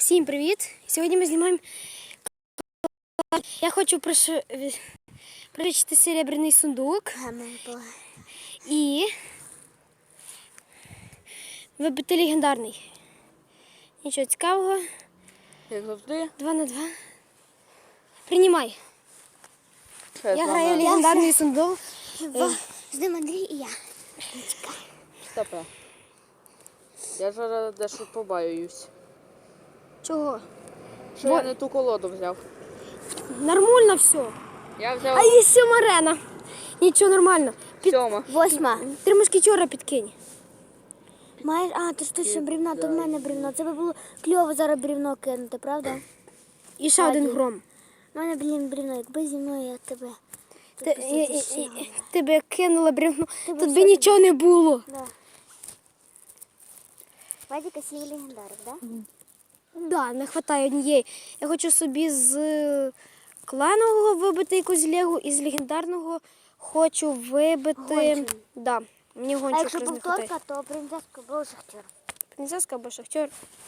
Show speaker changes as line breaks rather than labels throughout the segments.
Всім привіт! Сьогодні ми знімаємо. Я хочу пришити серебряний сундук і вибити легендарний. Нічого цікавого.
Як завжди.
2 на 2. Приймай. Я граю в легендарний сундук.
З ним Андрій і я.
Стопе. Я зараз дещо побаююсь.
Чого?
Що я не ту колоду взяв.
Нормально все.
Я взяв
А є 7 арена. Нічого нормально.
7.
8.
3 мушкетера підкинь.
Маєш, ти ж точно брівна, то в мене брівно. Це би було кльово зараз брівно кинути, правда?
І ще один гром.
У мене, брівно, якби зі мною я тебе.
Тебе кинула бревно.
Тебе
Тут
все
би нічого не було.
Да. Вадіка сіє легендарик, так? Да?
Да, не вистачає однієї. Я хочу собі з кланового вибити якусь легу і з легендарного хочу вибити.
Гончу.
Да, мені
А
гончу
якщо
якраз не вистачає.
повторка, то принцеска був шахтер.
Принцеска або шахтер.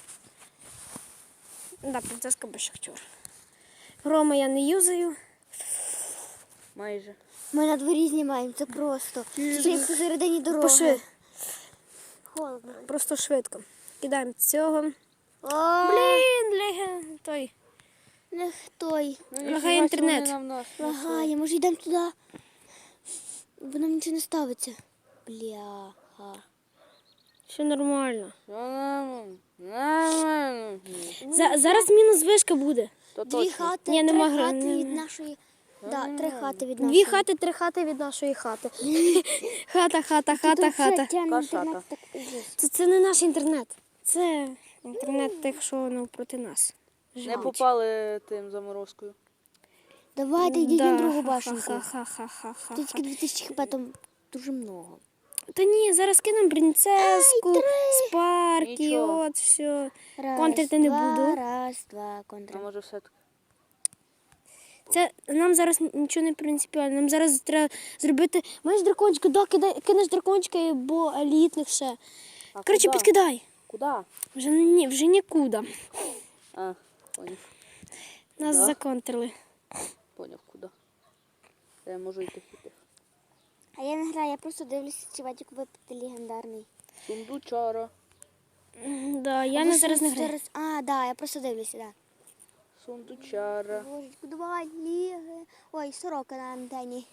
Да, принцеска або шахтер. Грома я не юзаю.
Майже.
Ми на дворі знімаємо, це просто. Ще як посередині дороги.
Пошли.
Холодно.
Просто швидко. Кидаємо цього.
О,
Блін, той.
не той.
Лагає інтернет.
Лагає, може йдемо туди? Бо нам нічого не ставиться. Бляха.
Все нормально.
Нормально.
Зараз мінус вишка буде.
То
Дві
точно.
хати,
Ні, нема
три
гри,
хати
не-
від нашої. Да, 3 хати від нашої.
2 хати, 3 хати від нашої хати. Хата.
Кашата.
Це не наш інтернет. Це інтернет тих, що навпроти нас.
Не попали тим заморозкою.
Давайте йдіть на другу
Да,
башенку.
ха-ха-ха-ха-ха.
Тут тільки 2000 хп, там дуже много.
Та ні, зараз кинемо принцеску, спарки,
Нічого.
от все.
Раз,
Контрити не
два,
буду.
Раз, два, контр.
А може все-таки.
Це нам зараз нічого не принципіально. Нам зараз треба зробити. Маєш дракончика, да, кинеш дракончика або елітних ще.
А
Коротше,
куди?
підкидай.
Куди?
Вже нікуди.
А, поняв.
Нас
Да.
законтрили.
Поняв, куди. Я можу йти хіти.
А я не граю, я просто дивлюся, чи Вадик випити легендарний.
Сундучара.
Да, я не зараз не граю.
Да, я просто дивлюся, да.
Сундучара.
Божечку, давай, ліги. Ой, сорока на антені.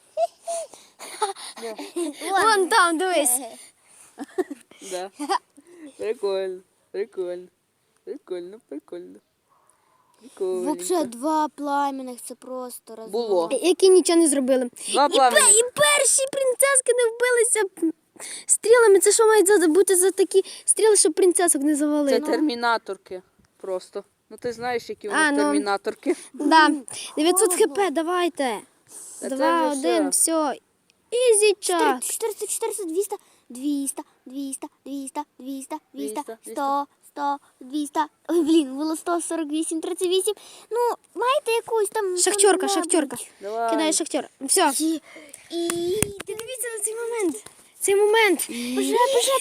Вон там, дивись.
Да. Прикольно. Прикольно. Прикольно. Прикольно.
Взагалі 2 пламенних, це просто розмов.
Було.
Які нічого не зробили.
Два пламені.
І перші принцески не вбилися стрілами. Це що мають бути за такі стріли, щоб принцесок не
Це
завалити?
термінаторки просто. Ну ти знаєш, які у
А,
нас
ну.
термінаторки.
Да. 900 хп, давайте.
Та це
2,
вже
1, все. Ізі час.
400, 200, 200, 200, 200, 200, 200, 100, 100, 200. Ой, блін, було 148, 38. Ну, маєте якусь там...
Шахтерка.
Давай.
Кидай шахтер. Все.
І...
Дивіться на цей момент. Цей момент.
Боже.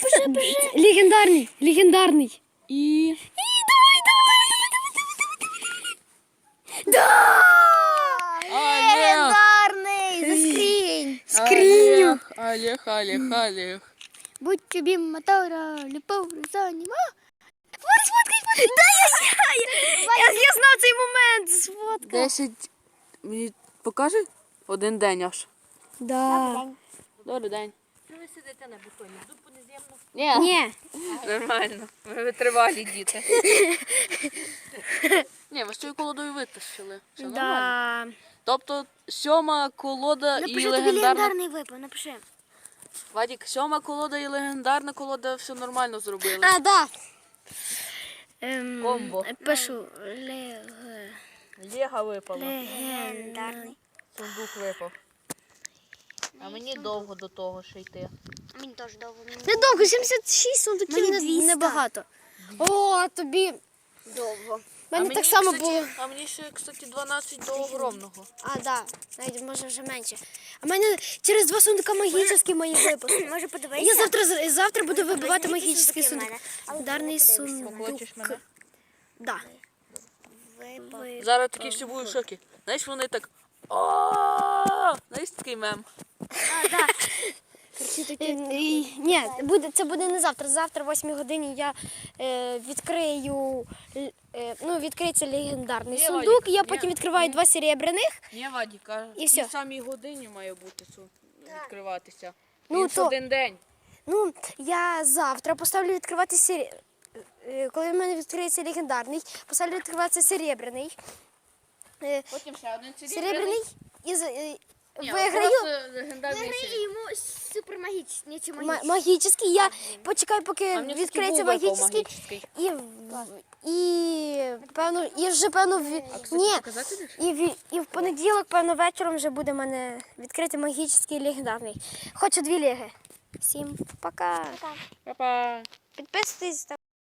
Легендарний.
І...
Да!
Легендарний! Заскрінь!
Скриню.
Олег.
Будь тобі мотора, любов, заніма.
Я знав цей момент. Сфоткав.
10... Мені покаже? 1 день аж.
Да.
Добрий день.
Що ви сидите на бетоні? Дупу неземно?
Ні.
Нормально. Ми витривалі діти. Ні, ви з цією колодою витащили. Все нормально.
Да.
Тобто 7 колода і
Напиши тобі
легендарна...
легендарний випав, напиши.
Вадік, 7 колода і легендарна колода все нормально зробили.
А, да.
Комбо.
Пишу.
Лего випало.
Легендарний.
Сундук випав. А мені довго до того ще йти.
Мені теж довго.
Недовго, 76 сундуків
Мені 200.
небагато. О, тобі.
Довго.
У мене так само було.
А мені ще, кстати, 12 до огромного.
А, да. Навіть може вже менше. А в мене через 2 сундука магічні мої випуски.
Може подивитися?
Я завтра буду вибивати
Візьми, які
магічний
сундуки в
сундук.
мене. Але
Ударний
подивися.
сундук.
Хочеш мене?
Да.
Зараз такі всі будуть в шокі. Знаєш, вони так. О, знаєш, такий мем.
Ні, це буде не завтра. Завтра, о 8 годині, я відкрию. Відкриється легендарний
Ні,
сундук.
Вадик,
Я
ні,
потім відкриваю
ні.
2 серебряних.
Ні, Вадік, а
І
в
всьо.
тій самій годині має бути відкриватися.
Ну,
Він ж
то-
один день.
Ну, я завтра поставлю відкривати коли в мене відкриється легендарний, поставлю відкриватися серебряний.
Потім ще один
Серебряний і
Ні,
виграю.
просто легендарний серій.
йому супермагічний чи
Магічний. Я почекаю, поки
А мені
відкриється
такий був
магічний.
магічний.
І вже певно ні.
Показати десь?
І в понеділок, певно, вечором вже буде в мене відкритий магічний легендарний. Хочу 2 леги. Всім пока.
Па-па.
Підписуйтесь.